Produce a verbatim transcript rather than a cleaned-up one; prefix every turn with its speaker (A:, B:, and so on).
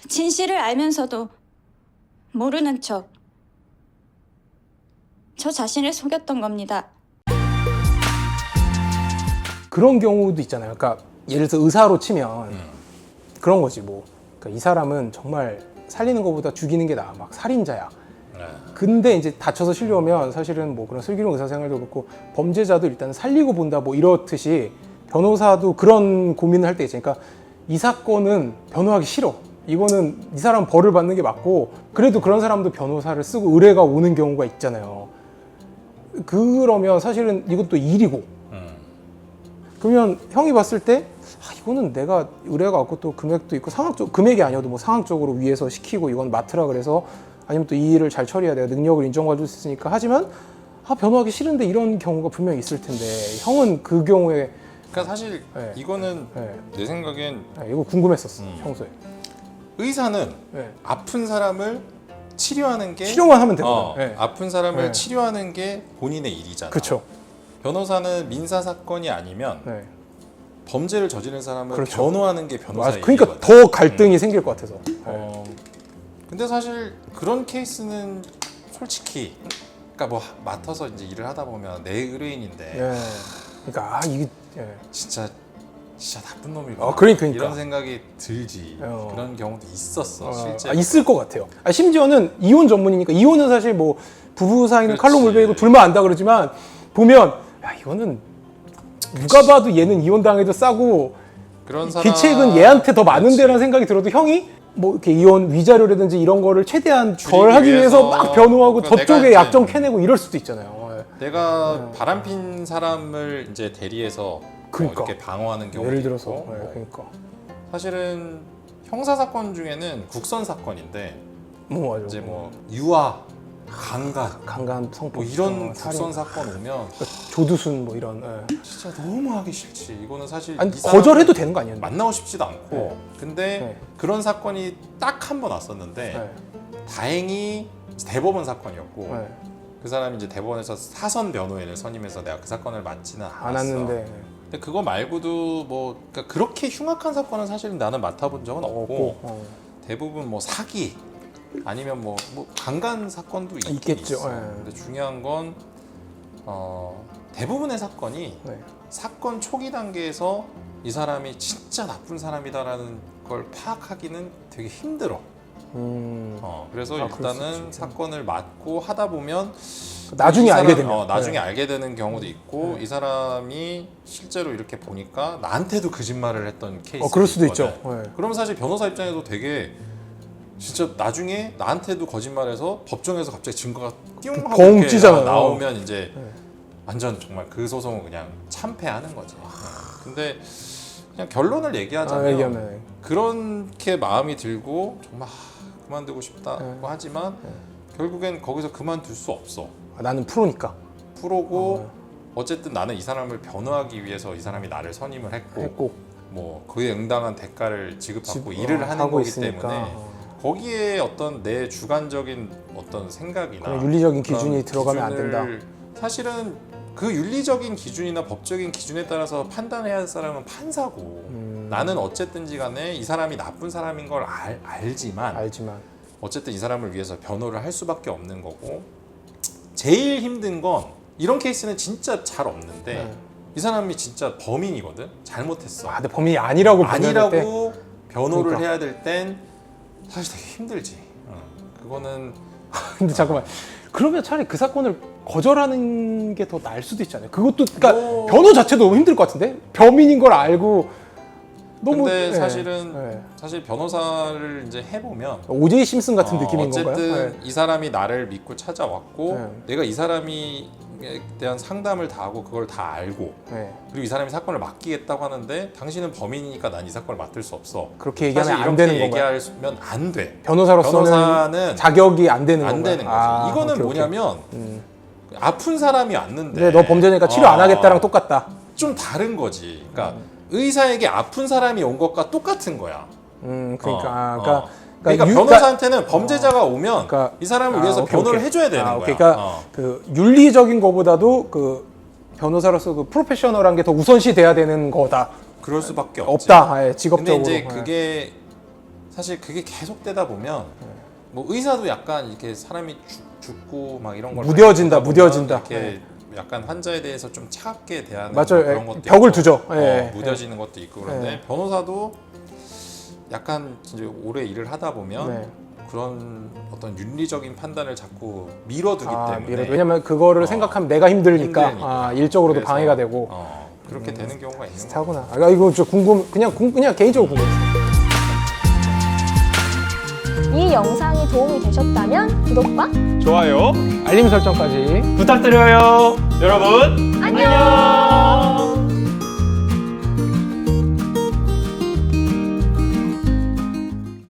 A: 진실을 알면서도 모르는 척 저 자신을 속였던 겁니다.
B: 그런 경우도 있잖아요. 그러니까 예를 들어서 의사로 치면
C: 음.
B: 그런 거지 뭐. 그러니까 이 사람은 정말 살리는 것보다 죽이는 게 나아. 막 살인자야.
C: 네.
B: 근데 이제 다쳐서 실려오면 사실은 뭐 그런 슬기로운 의사 생활도 그렇고 범죄자도 일단 살리고 본다 뭐 이렇듯이 변호사도 그런 고민을 할 때 있지. 그러니까 이 사건은 변호하기 싫어. 이거는 이 사람 벌을 받는 게 맞고 그래도 그런 사람도 변호사를 쓰고 의뢰가 오는 경우가 있잖아요. 그러면 사실은 이것도 일이고
C: 음.
B: 그러면 형이 봤을 때 아, 이거는 내가 의뢰가 왔고 또 금액도 있고 상황적 금액이 아니어도 뭐 상황적으로 위에서 시키고 이건 맡으라 그래서 아니면 또 이 일을 잘 처리해야 내가 능력을 인정받을 수 있으니까 하지만 아 변호하기 싫은데 이런 경우가 분명히 있을 텐데 형은 그 경우에
C: 그러니까 사실
B: 네.
C: 이거는
B: 네.
C: 내 생각엔
B: 네, 이거 궁금했었어
C: 음.
B: 평소에
C: 의사는
B: 네.
C: 아픈 사람을 치료하는 게
B: 치료만 하면 되거든.
C: 어,
B: 네.
C: 아픈 사람을
B: 네.
C: 치료하는 게 본인의 일이잖아.
B: 그렇죠.
C: 변호사는 민사 사건이 아니면
B: 네.
C: 범죄를 저지른 사람을
B: 그렇죠.
C: 변호하는 게 변호사의
B: 맞아. 그러니까
C: 일이거든.
B: 더 갈등이 생길 것 같아서. 네.
C: 어, 근데 사실 그런 케이스는 솔직히 그러니까 뭐 맡아서 이제 일을 하다 보면 내 의뢰인인데
B: 예. 그러니까 아 이게 예.
C: 진짜 진짜 나쁜 놈이구나.
B: 어, 그러니까, 그러니까.
C: 이런 생각이 들지.
B: 어.
C: 그런 경우도 있었어
B: 어,
C: 실제.
B: 아, 있을 것 같아요. 아, 심지어는 이혼 전문이니까 이혼은 사실 뭐 부부 사이는
C: 그렇지.
B: 칼로 물베이고 둘만 안다 그러지만 보면 야 이거는 누가 봐도 얘는 이혼 당해도 싸고
C: 그런 사람
B: 귀책은 얘한테 더
C: 그렇지.
B: 많은데라는 생각이 들어도 형이 뭐 이렇게 이혼 위자료라든지 이런 거를 최대한
C: 줄이기
B: 덜 하기 위해서
C: 위해서
B: 막 변호하고
C: 그러니까
B: 저쪽에
C: 내가
B: 약점
C: 이제-
B: 캐내고 이럴 수도 있잖아요. 예.
C: 내가 바람핀 사람을 이제 대리해서
B: 그러니까.
C: 뭐 이렇게 방어하는 경우도
B: 예를 들어서
C: 있고,
B: 예,
C: 뭐
B: 그러니까
C: 사실은 형사 사건 중에는 국선 사건인데
B: 뭐 맞아.
C: 이제 뭐 유아, 강간
B: 강간 성폭
C: 뭐 이런
B: 어, 살인,
C: 국선 사건 오면
B: 조두순 뭐 이런 예.
C: 진짜 너무 하기 싫지. 이거는 사실
B: 아니
C: 이 사람을
B: 거절해도 되는 거 아니에요?
C: 만나고 싶지도 않고
B: 네.
C: 근데
B: 네.
C: 그런 사건이 딱 한 번 왔었는데
B: 예.
C: 다행히 대법원 사건이었고
B: 예.
C: 그 사람이 이제 대법원에서 사선 변호인을 선임해서 내가 그 사건을 맡지는 않았어.
B: 안 왔는데
C: 근데 그거 말고도 뭐 그러니까 그렇게 흉악한 사건은 사실 나는 맡아본 적은 없고,
B: 없고 어.
C: 대부분 뭐 사기 아니면 뭐, 뭐 강간 사건도 있긴
B: 있겠죠.
C: 있어.
B: 예.
C: 근데 중요한 건 어, 대부분의 사건이
B: 네.
C: 사건 초기 단계에서 이 사람이 진짜 나쁜 사람이다라는 걸 파악하기는 되게 힘들어.
B: 음.
C: 어, 그래서
B: 아, 그럴 수
C: 일단은
B: 있지.
C: 사건을 맡고 하다 보면
B: 나중에
C: 이
B: 알게
C: 사람-
B: 되면
C: 어, 나중에
B: 네.
C: 알게 되는 경우도 있고
B: 네.
C: 이 사람이 실제로 이렇게 보니까 나한테도 거짓말을 했던 케이스.
B: 어 그럴 수도 있죠. 예.
C: 그러면 사실 변호사 입장에서 되게 진짜 나중에 나한테도 거짓말해서 법정에서 갑자기 증거가 띵 하고
B: 벙
C: 이렇게
B: 찌잖아요.
C: 나오면 이제
B: 네.
C: 완전 정말 그 소송은 그냥 참패하는 거지. 네. 근데 그냥 결론을 얘기하자면
B: 아, 얘기하면
C: 그렇게 마음이 들고 정말 하, 그만두고 싶다고
B: 네.
C: 하지만
B: 네.
C: 결국엔 거기서 그만둘 수 없어.
B: 아, 나는 프로니까
C: 프로고 어쨌든 나는 이 사람을 변호하기 위해서 이 사람이 나를 선임을 했고
B: 했고
C: 뭐 그에 응당한 대가를 지급받고
B: 집-
C: 일을
B: 어,
C: 하는
B: 하고
C: 거기
B: 있으니까.
C: 때문에
B: 어.
C: 거기에 어떤 내 주관적인 어떤 생각이나
B: 그런 윤리적인
C: 그런
B: 기준이 들어가면 안 된다.
C: 기준을 사실은 그 윤리적인 기준이나 법적인 기준에 따라서 판단해야 할 사람은 판사고
B: 음,
C: 나는 어쨌든지 간에 이 사람이 나쁜 사람인 걸 알, 알지만
B: 알지만
C: 어쨌든 이 사람을 위해서 변호를 할 수밖에 없는 거고 제일 힘든 건 이런 케이스는 진짜 잘 없는데
B: 네.
C: 이 사람이 진짜 범인이거든. 잘못했어.
B: 아, 근데 범인이 아니라고 판단할 때
C: 아니라고 변호를
B: 그러니까.
C: 해야 될 땐 사실 되게 힘들지. 어. 그거는
B: 근데 잠깐만 그러면 차라리 그 사건을 거절하는 게 더 나을 수도 있잖아요. 그것도 그러니까
C: 뭐-
B: 변호 자체도 너무 힘들 것 같은데 범인인 걸 알고 너무
C: 근데
B: 예,
C: 사실은
B: 예.
C: 사실 변호사를 이제 해보면
B: 오제이 심슨 같은
C: 어,
B: 느낌인
C: 어쨌든
B: 건가요? 예.
C: 이 사람이 나를 믿고 찾아왔고
B: 네.
C: 내가 이 사람이 대한 상담을 다 하고 그걸 다 알고
B: 예.
C: 그리고 이 사람이 사건을 맡기겠다고 하는데 당신은 범인이니까 난 이 사건을 맡을 수 없어.
B: 그렇게 얘기하면
C: 사실
B: 안
C: 이렇게
B: 되는 건가요?
C: 얘기하면 안 돼.
B: 변호사로서는
C: 변호사는
B: 자격이 안 되는
C: 안
B: 건가요?
C: 되는 거지.
B: 아,
C: 이거는
B: 오케이, 오케이.
C: 뭐냐면
B: 음.
C: 아픈 사람이 왔는데
B: 네, 너 범죄니까 치료 안
C: 어,
B: 하겠다랑 똑같다.
C: 좀 다른 거지. 그러니까 의사에게 아픈 사람이 온 것과 똑같은 거야.
B: 음, 그러니까,
C: 어,
B: 아,
C: 어.
B: 그러니까,
C: 그러니까
B: 유-
C: 변호사한테는 범죄자가 오면
B: 그러니까-
C: 이 사람을
B: 아,
C: 위해서
B: 오케이,
C: 변호를
B: 오케이.
C: 해줘야 되는
B: 아,
C: 거야.
B: 오케이. 그러니까
C: 어.
B: 그 윤리적인 거보다도 그 변호사로서 그 프로페셔널한 게 더 우선시 돼야 되는 거다.
C: 그럴 수밖에 없지.
B: 없다. 아예
C: 근데
B: 직업적으로.
C: 이제
B: 예.
C: 그게 사실 그게 계속되다 보면 뭐 의사도 약간 이렇게 사람이 죽, 죽고 막 이런 걸
B: 무뎌진다,
C: 많이 보다 보면
B: 무뎌진다.
C: 이렇게
B: 네.
C: 약간 환자에 대해서 좀 차갑게 대하는
B: 맞아요.
C: 그런
B: 예,
C: 것도
B: 벽을
C: 있고,
B: 두죠.
C: 어,
B: 예,
C: 무뎌지는 것도 있고 그런데
B: 예.
C: 변호사도 약간 진짜 오래 일을 하다 보면
B: 네.
C: 그런 어떤 윤리적인 판단을 자꾸 밀어두기
B: 아,
C: 때문에
B: 미래도. 왜냐면 그거를
C: 어,
B: 생각하면 내가 힘드니까,
C: 힘드니까.
B: 아, 일적으로도
C: 그래서,
B: 방해가 되고.
C: 어, 그렇게
B: 음,
C: 되는 경우가 있는 거예요.
B: 비슷하구나. 아, 이거 저 궁금, 그냥 궁, 그냥 개인적으로 궁금했어요.
D: 이 영상이 도움이 되셨다면 구독과
E: 좋아요
B: 알림 설정까지.
E: 부탁드려요. 여러분
D: 안녕!